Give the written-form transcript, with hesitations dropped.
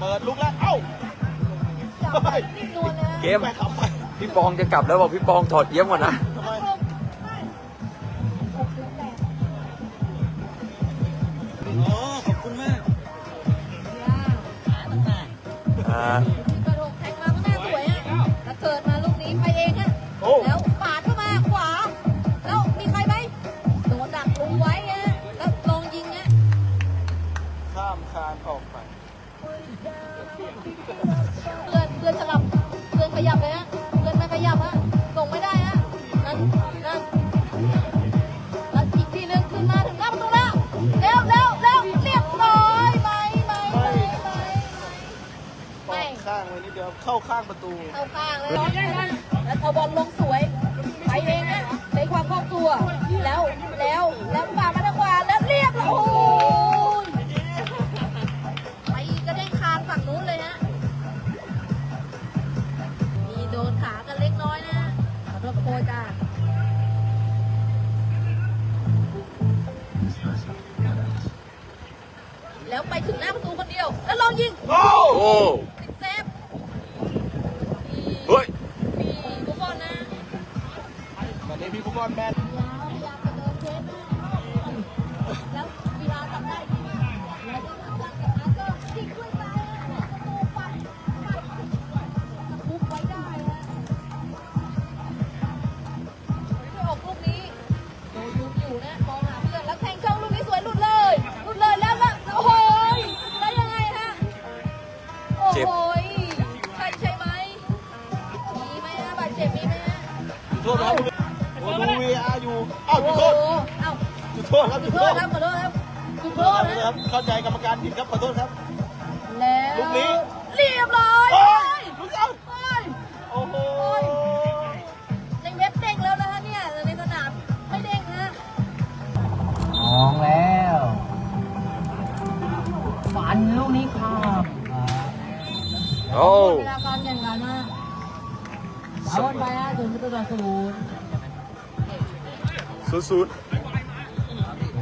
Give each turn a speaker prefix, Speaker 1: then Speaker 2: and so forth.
Speaker 1: ดลุกแล้วเอ้า
Speaker 2: จับไปนิ่มนวลนะ
Speaker 3: เกม
Speaker 1: ไปทำไป
Speaker 3: พี่ปองจะกลับแล้วบอกพี่ปองถอดเยี่ยมก่อนนะ
Speaker 1: ทำไมอ๋อขอบคุณมาก
Speaker 3: อ่า
Speaker 2: กระโดดแทงมาก็น่าสวยอ่ะแล้วเกิดมาลูกนี้ไปเองอ่ะ
Speaker 1: โอ้
Speaker 2: แล้วปาดเข้ามาขวา แล้วมีใครไหมโดนดักลุงไว้ฮะแล้วลองยิงฮะ
Speaker 1: ข้ามคานออกไป
Speaker 2: เพื่อนสลับเพื่อนขยับเลยฮะเพื่อนไม่ขยับฮะส่งไม่ได้ฮะนั่นแล้วอีกทีนึงขึ้นมาถึงหน้าประตูแล้วเร็วเรียบร้อยไหม
Speaker 1: ปอกข้างไว้นิดเดียวเข้าข้างประตู
Speaker 2: เอาข้างเลยแล้วเอาบอลลงสวยไปเองนะใช้ความคล่องตัวแล้วปาดมาทางขวาแล้วเรียบร้อยโอ้ยไปกระเด้งคานฝั่งนู้นเลยฮะมีโดนขากันเล็กน้อยนะขอโทษโค้ชจ้าแล้วไปถึงหน้าประตูคนเดียวแล้วลองยิง
Speaker 1: โอ้
Speaker 3: โอ้
Speaker 2: ติดเซฟ
Speaker 3: เฮ้ย
Speaker 2: มีบุฟฟอนนะ
Speaker 1: ตอนนี้พี่ฟุตบอลแมน
Speaker 2: พยายามจะเดินเซฟแล้วเวลาทำได้ดีแล้วก็ทำได้กับอาร์เซอร์ยิงด้วยซ้ายนะประตูปัดคุบไว้ได้นะไม่ออกลูกนี้โดนยุบอยู่นะมองหาเพื่อนแล้วแทงเข้าลูกนี้สวยหลุดเลยแล้วโอ้โหแล้วยังไงฮะโอ้โหใช่ไหมมีไหมฮะบาดเจ็บมีไหมฮะ
Speaker 1: จุดโทษนะครับโอ้ดู VR อยู่อ้าวจุดโทษ
Speaker 2: เอ้า
Speaker 1: จุดโทษครับ
Speaker 2: จุ
Speaker 1: จุ
Speaker 2: ด
Speaker 1: ด
Speaker 2: โท
Speaker 1: โท
Speaker 2: ษ
Speaker 1: ษ
Speaker 2: ครับขอโทษครับจุดโทษ
Speaker 1: นะ
Speaker 2: นะครับ
Speaker 1: เข้าใจกรรมการผิดครับขอโทษครับ
Speaker 2: แล้ว
Speaker 1: ลูกนี้
Speaker 2: เรียบร้อย
Speaker 1: โอ้ยลูกเอา
Speaker 2: โอ้ย
Speaker 1: โอ้โห
Speaker 2: ในเว็บเด้งแล้วนะฮะเนี่ยแต่ในสนามไม่เด้งนะ
Speaker 4: มองแล้วฝันลูกนี้ครับ
Speaker 3: โอ้
Speaker 4: เวลาการแข่งขันนะเอาบอลไปฮะถึงประตูต่อศูนย์
Speaker 3: ศูนย์